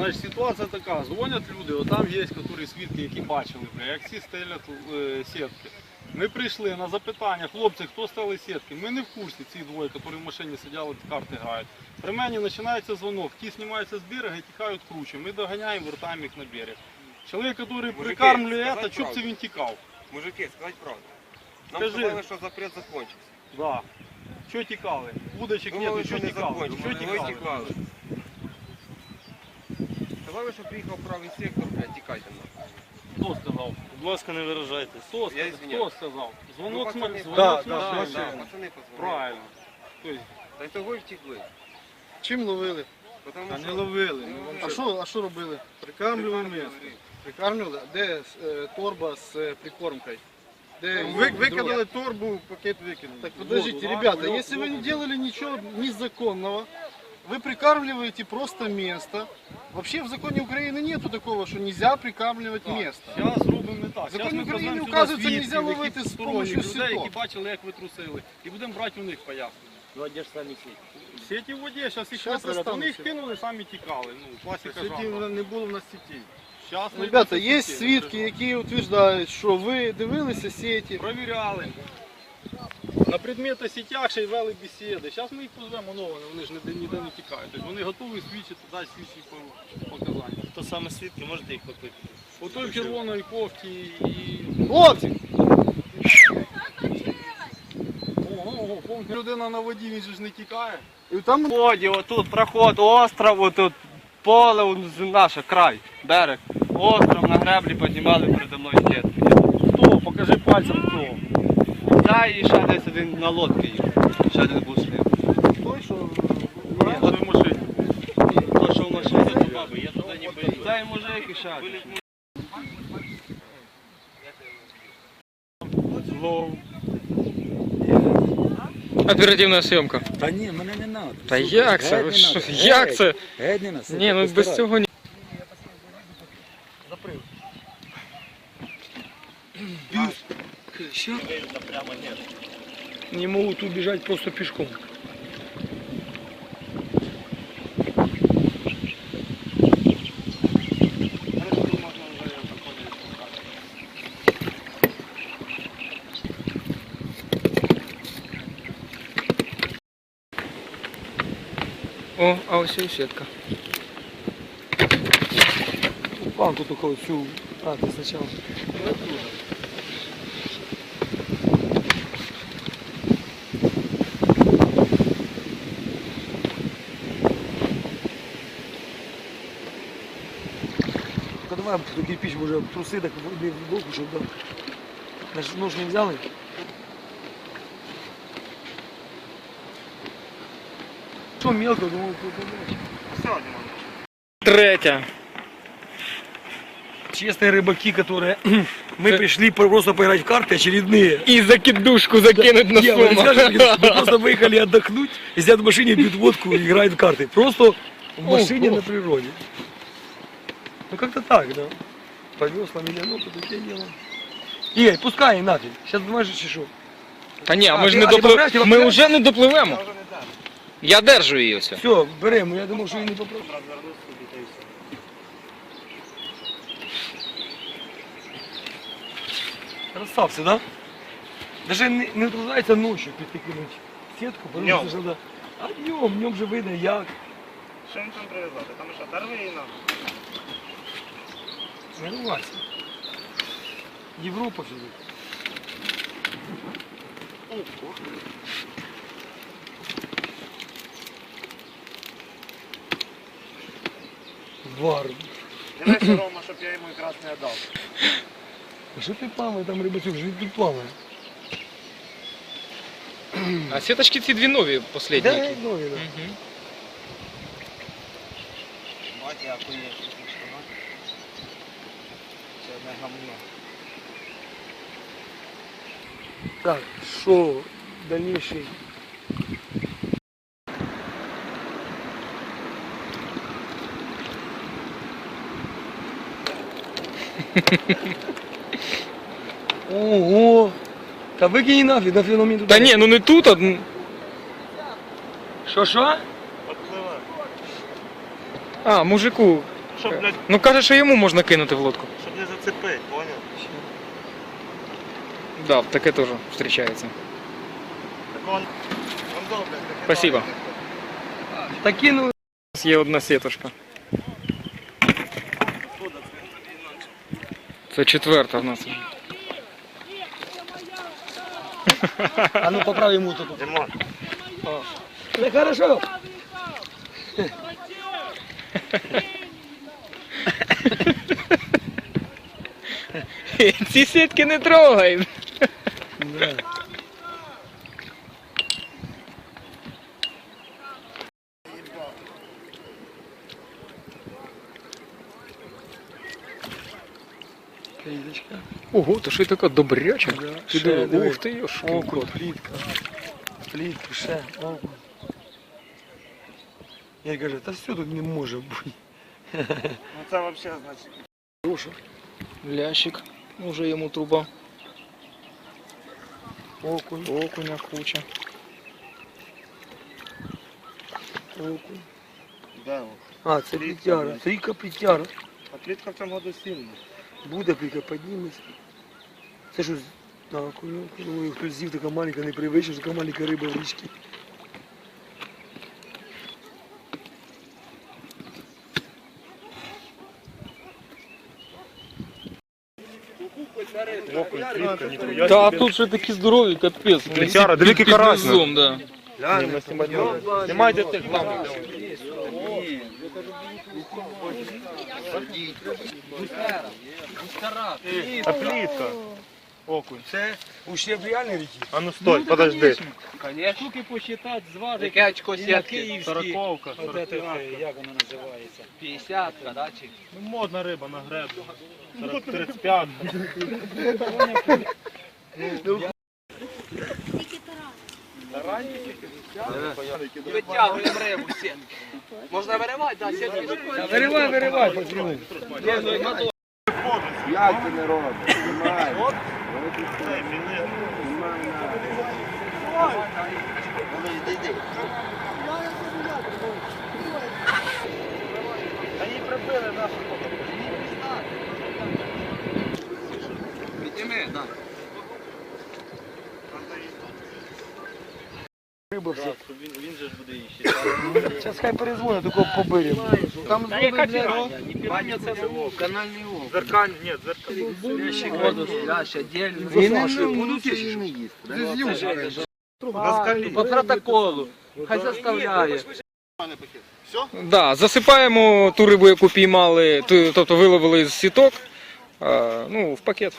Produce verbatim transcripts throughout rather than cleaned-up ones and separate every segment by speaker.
Speaker 1: Значить, ситуація така, дзвонять люди, отам є, які свідки, які бачили, як всі стелять е, сітки. Ми прийшли на запитання, хлопці, хто стали сітки? Ми не в курсі, ці двоє, які в машині сиділи, карти грають. При мені починається дзвонок, ті знімаються з берега і тікають круче. Ми доганяємо, вертаємо їх на берег. Чоловік, який прикармлює це, щоб це він тікав?
Speaker 2: Мужики, сказати правду. Нам
Speaker 1: Скажи.
Speaker 2: сказали, що запрет закончився.
Speaker 1: Да. Що тікали? Удочок
Speaker 2: Думали,
Speaker 1: нету,
Speaker 2: що
Speaker 1: що
Speaker 2: не
Speaker 1: тікали?
Speaker 2: закончився.
Speaker 1: Що
Speaker 2: Ми
Speaker 1: тікали?
Speaker 2: тікали. Сказали, що приїхав правий сектор, блядь, тікайте нам.
Speaker 1: Хто сказав?
Speaker 3: Будь ласка, не виражайтесь.
Speaker 1: Хто,
Speaker 2: Я
Speaker 1: сказав?
Speaker 2: извиняюсь.
Speaker 1: Хто сказав?
Speaker 2: Ну,
Speaker 1: Дзвонок з
Speaker 2: пацани,
Speaker 1: ма-
Speaker 2: да,
Speaker 1: дзвонок з
Speaker 2: да,
Speaker 1: машини.
Speaker 2: да,
Speaker 1: Да.
Speaker 2: пацани позвонили.
Speaker 1: Правильно. Тобто,
Speaker 2: Та й того й втекли.
Speaker 4: Чим ловили?
Speaker 2: Потому
Speaker 1: та не
Speaker 2: що-
Speaker 1: ловили.
Speaker 2: Ну,
Speaker 4: А що, а що робили?
Speaker 1: Прикармлювали місце.
Speaker 4: Прикармлювали? Де е, торба з е, прикормкою? Де
Speaker 1: Ви,
Speaker 4: друга?
Speaker 1: викинули торбу, пакет викинули.
Speaker 4: Так подождите,
Speaker 1: Воду, да?
Speaker 4: ребята,
Speaker 1: Лёд,
Speaker 4: если вы не
Speaker 1: лёд.
Speaker 4: делали ничего незаконного, вы прикармливаете просто место. Вообще в законе Украины нету такого, что нельзя прикармливать
Speaker 1: Так,
Speaker 4: место.
Speaker 1: Зараз зробимо не так.
Speaker 4: В законі
Speaker 1: Зараз ми
Speaker 4: України
Speaker 1: позвемо
Speaker 4: вказується,
Speaker 1: сюди
Speaker 4: нельзя
Speaker 1: свідків,
Speaker 4: ловити
Speaker 1: які
Speaker 4: з
Speaker 1: сторонніх
Speaker 4: помощью
Speaker 1: людей,
Speaker 4: сіток.
Speaker 1: які бачили, як ви трусили. І будемо брати у них пояснення.
Speaker 3: Ну, а де ж самі сіті?
Speaker 1: Сіті в воді, зараз їх
Speaker 4: Щас
Speaker 1: виправлять. Вони їх
Speaker 4: остануться.
Speaker 1: кинули, самі тікали. Ну, класика
Speaker 2: Сіті
Speaker 1: жанру.
Speaker 2: не було в нас сіті.
Speaker 1: Щас
Speaker 4: Ну, Ребята,
Speaker 1: знайдуться
Speaker 4: є
Speaker 1: сіті,
Speaker 4: свідки,
Speaker 1: не
Speaker 4: які утверждають, що ви дивилися сети.
Speaker 1: Провіряли. На предмети сітях ще й вели бесіди. Зараз ми їх позвемо нового, вони ж ніде, ніде не тікають. Тобто вони готові свідчити, дати свідчі по- показання.
Speaker 3: Хто саме свідки, можете їх покликати?
Speaker 1: У той в червоної кофті і...
Speaker 4: Хлопці!
Speaker 1: Ого, ого, повна людина на воді, він же ж не тікає.
Speaker 4: І там
Speaker 5: Воді, отут проход, остров, отут поле, он з- наше, край, берег. Остров на греблі піднімали передо мною сітки.
Speaker 1: Хто? Покажи пальцем хто.
Speaker 5: Я і ще десь один на лодці їх. Ще один був з ним.
Speaker 4: той, що
Speaker 1: Ні, той в машині.
Speaker 5: То, що в машині
Speaker 3: Я туди не боюсь.
Speaker 5: Цей мужик і ще один.
Speaker 6: Оперативна зйомка.
Speaker 7: Та ні, мене не треба.
Speaker 6: Та як це? Ви що? Як це?
Speaker 7: Геть не нас.
Speaker 6: Ні, ну без цього ні.
Speaker 7: Не можуть убежать просто пішком.
Speaker 6: О, а ось і сітка.
Speaker 7: Планку тільки цю. А, ти спочатку. Та давай до кирпич може труси, так не в боку, щоб да. Наш нож не взяли. Що мелко, думаю, побачиш.
Speaker 6: Третя.
Speaker 7: Честные рыбаки, которые мы пришли просто поиграть в карты очередные.
Speaker 6: І закидушку закинуть на
Speaker 7: Я, вы
Speaker 6: суму.
Speaker 7: скажете, мы просто выехали отдохнуть, и сидят в машине, пьют водку и играют в карты. Просто в машине
Speaker 6: Ого.
Speaker 7: на природе. Ну как-то так, да. По веслам или ну, по такие дела. Игорь, пускай и нафиг. Сейчас думаешь, что?
Speaker 6: Та ні, а ми
Speaker 7: А,
Speaker 6: ж
Speaker 7: ти-
Speaker 6: не
Speaker 7: а ти
Speaker 6: допливемо.
Speaker 7: поправиш, ти
Speaker 6: Ми
Speaker 7: поправиш?
Speaker 6: вже не допливемо. Я держу її все.
Speaker 7: Все, берем, я думал, что я не попрошу. Красавцы, да? Даже не, не тружается ночью підкинуть сетку, потому что да. А днем, днем же видно як.
Speaker 3: Що їм там прив'язати? Там що, дарви її нам?
Speaker 7: Не рвайся. Європа сидить. Вар.
Speaker 3: Дивися, Рома, щоб я йому якраз не дав.
Speaker 7: А що ти плаває там, рибацюк, вже тут плаває?
Speaker 6: А сіточки ці дві нові, останні.
Speaker 7: Да,
Speaker 6: які.
Speaker 7: ну, да.
Speaker 6: Мгм.
Speaker 2: Мать, я охуєш, що це одне гамно.
Speaker 7: Так, що дальніший? Ого! Та викинь нафіг, нафіг на мені туди.
Speaker 6: Та ні, ну не тут, а... м,
Speaker 7: Що, що?
Speaker 3: Подпливай.
Speaker 6: А, мужику.
Speaker 3: щоб, блядь,
Speaker 6: Ну каже, що йому можна кинути в лодку.
Speaker 3: щоб не зацепити, понял?
Speaker 6: Да, таке теж зустрічається.
Speaker 3: Так он, он добре. так і
Speaker 6: Спасибо.
Speaker 3: добре.
Speaker 7: Та кинули.
Speaker 6: У нас є одна сіточка. Це четверта в нас.
Speaker 7: А ну поправ йому тут.
Speaker 3: Димон,
Speaker 7: Це хорошо.
Speaker 6: Ці сітки не трогай.
Speaker 7: Кліточка.
Speaker 6: Ого, то що й така добряча.
Speaker 7: Да,
Speaker 6: Ти
Speaker 7: ще
Speaker 6: диви,
Speaker 7: диви.
Speaker 6: ух ти, йошки.
Speaker 7: Окунь, плітка. Плітка, ще, окунь. Я кажу, та все тут не може бути.
Speaker 3: ну це взагалі, значить,
Speaker 7: Хороша.
Speaker 6: Лящик, уже йому труба.
Speaker 7: Окунь,
Speaker 6: Окуня куча.
Speaker 7: окунь.
Speaker 3: да, о.
Speaker 7: А, це плітяра. Трійка плітяра.
Speaker 3: А плітка в цьому году сильна.
Speaker 7: Буде плітка, підніметься. Це що, на окуню? Думаю, хтось з'їв, така маленька, не привична, така маленька риба в річці.
Speaker 3: Окунь, плітка, ніхуя.
Speaker 6: Та а тут ще такі здорові, капець.
Speaker 3: Плетяра, диви, який
Speaker 6: Під
Speaker 3: карась,
Speaker 6: низом, да.
Speaker 3: Знімайте тих главних. А плітка. Окунь.
Speaker 7: Це ущерб реальної ріки?
Speaker 3: А ну стой, подожди.
Speaker 5: Штуки посчитати, зважити. Яке очко сітки?
Speaker 3: Сороковка.
Speaker 5: Як вона називається? п'ятдесятка, да? Чи?
Speaker 3: Ну, модна риба на греблю. сорок тридцять п'ять.
Speaker 5: Витягуємо рибу з сітки. Можна виривати, да, сітки.
Speaker 7: Виривай, виривай, пацани.
Speaker 3: Та її прибили нашу.
Speaker 5: Підніми, да.
Speaker 7: Риба все.
Speaker 3: Він, він же ж буде її ще.
Speaker 7: Зараз хай перезвонить, такого побирємо.
Speaker 4: Там
Speaker 3: Та яка тіра?
Speaker 5: Баня це був канальний окунь.
Speaker 3: Зеркаль, ні, зеркаль.
Speaker 5: Воду, лящ, отдельно.
Speaker 7: Він не будуть їсти.
Speaker 5: По протоколу. Хай заставляє.
Speaker 6: Да, засипаємо ту рибу, яку піймали, ту- тобто виловили з сіток, а, ну, в пакет.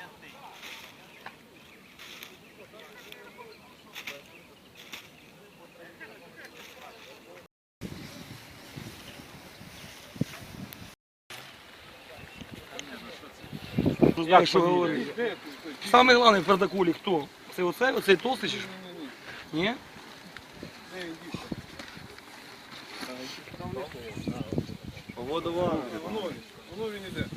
Speaker 7: Як що говорити? Саме головне в протоколі хто? Це оцей, оцей толстий чи що? Ні?
Speaker 1: Воно він іде.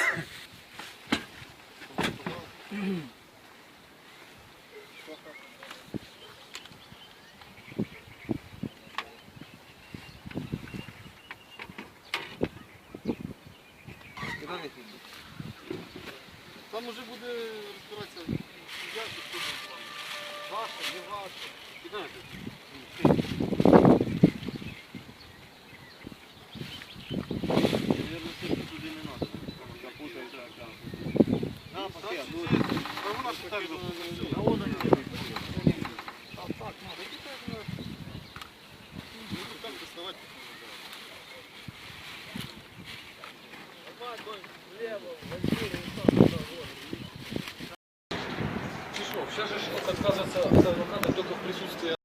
Speaker 1: Там уже буде розбиратися, як це ваше, не ваше. Кидайте. Наверное, все туди не надо. Запутається. На, пакет. А вона ж так запутається. А вон вони. А так, надо. Які так, ну, так доставати.
Speaker 6: Сейчас же отказываться от адвоката только в присутствии